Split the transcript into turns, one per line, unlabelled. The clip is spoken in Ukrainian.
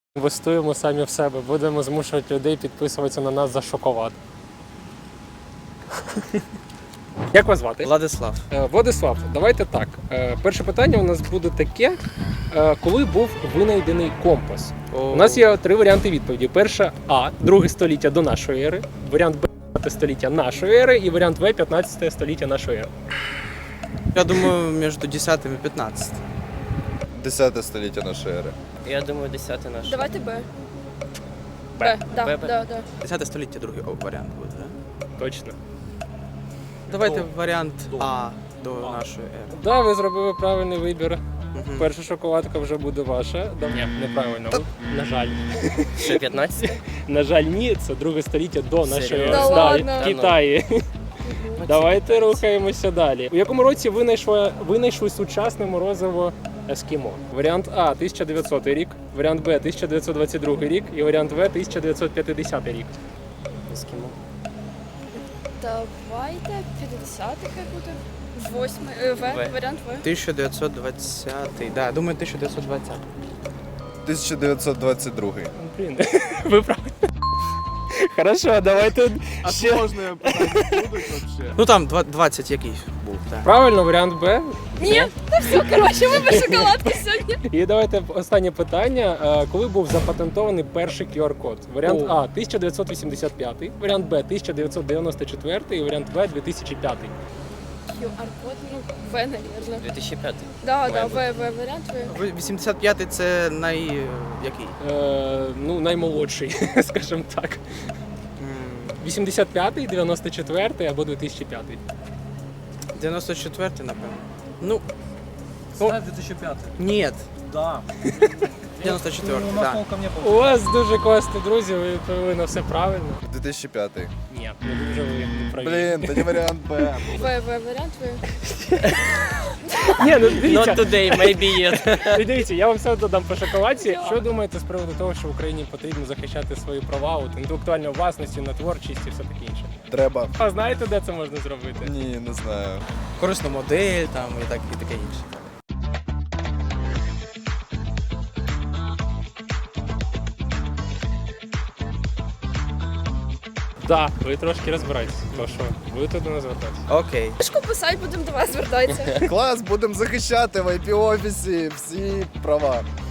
Інвестуємо самі в себе, будемо змушувати людей підписуватися на нас за шоколад. Як вас звати?
Владислав.
Владислав, давайте так. Перше питання у нас буде таке. Коли був винайдений компас? У нас є три варіанти відповіді. Перша А, 2 століття до нашої ери, варіант Б, 5 століття нашої ери і варіант В, 15 століття нашої ери.
Я думаю, між 10 і 15.
10 століття нашої ери.
Я думаю, 10 наш.
Давайте Б.
Б.
Да,
Б.
да.
10 століття другий варіант буде, так?
Точно.
Давайте варіант А до нашої ери.
Да, ви зробили правильний вибір.
Мгм.
Перша шоколадка вже буде ваша. Ні, неправильно. На жаль.
Що, 15?
На жаль, ні, це 2 століття до нашої
Серйозно?
ери.
Да
Да,
ладно?
в Китаї. Давайте рухаємося далі. У якому році винайшли сучасне морозиво Ескімо? Варіант А 1900 рік, варіант Б 1922 рік і варіант В 1950 рік.
Ескімо.
Давайте 50-й хай буде. 8-й.
В.
Варіант В.
1920. Да, думаю, 1920.
1922.
Блін, ви праві. Хорошо, давайте ще.
Сложні питання будуть взагалі?
Ну там 20 якийсь був, так.
Правильно, варіант Б.
Ні, та все, коротше, вибір шоколадки сьогодні.
І давайте останнє питання. Коли був запатентований перший QR-код? Варіант А 1985, варіант Б 1994 і варіант В 2005.
QR-код, ну, В, наверное.
2005.
Да,
Має
да,
бути.
варіант В.
85-й це який?
Ну, наймолодший, скажімо так. 85-й, 94-й або 2005-й.
94-й, напевно. Ну,
Знаю 2005.
ні.
Да.
94-й,
У нас
так.
толком не
У
было.
вас дуже класні друзі, ви відповіли на все правильно.
2005.
Ні, не дуже ви праві.
Блін, тоді варіант Б.
Варіант В.
Ні, ну
Not
дивіться,
today, maybe yet.
дивіться, я вам все додам по шоколадці. Що думаєте з приводу того, що Україні потрібно захищати свої права, от, інтелектуальної власності, на творчість і все таке інше?
Треба.
А знаєте, де це можна зробити?
Ні, не знаю.
Корисну модель там і таке інше.
Так, ви трошки розбираєтесь, то що будете до нас звертатися.
Окей.
Шку писать, будемо до вас звертатися.
Клас, будемо захищати в IP-офісі всі права.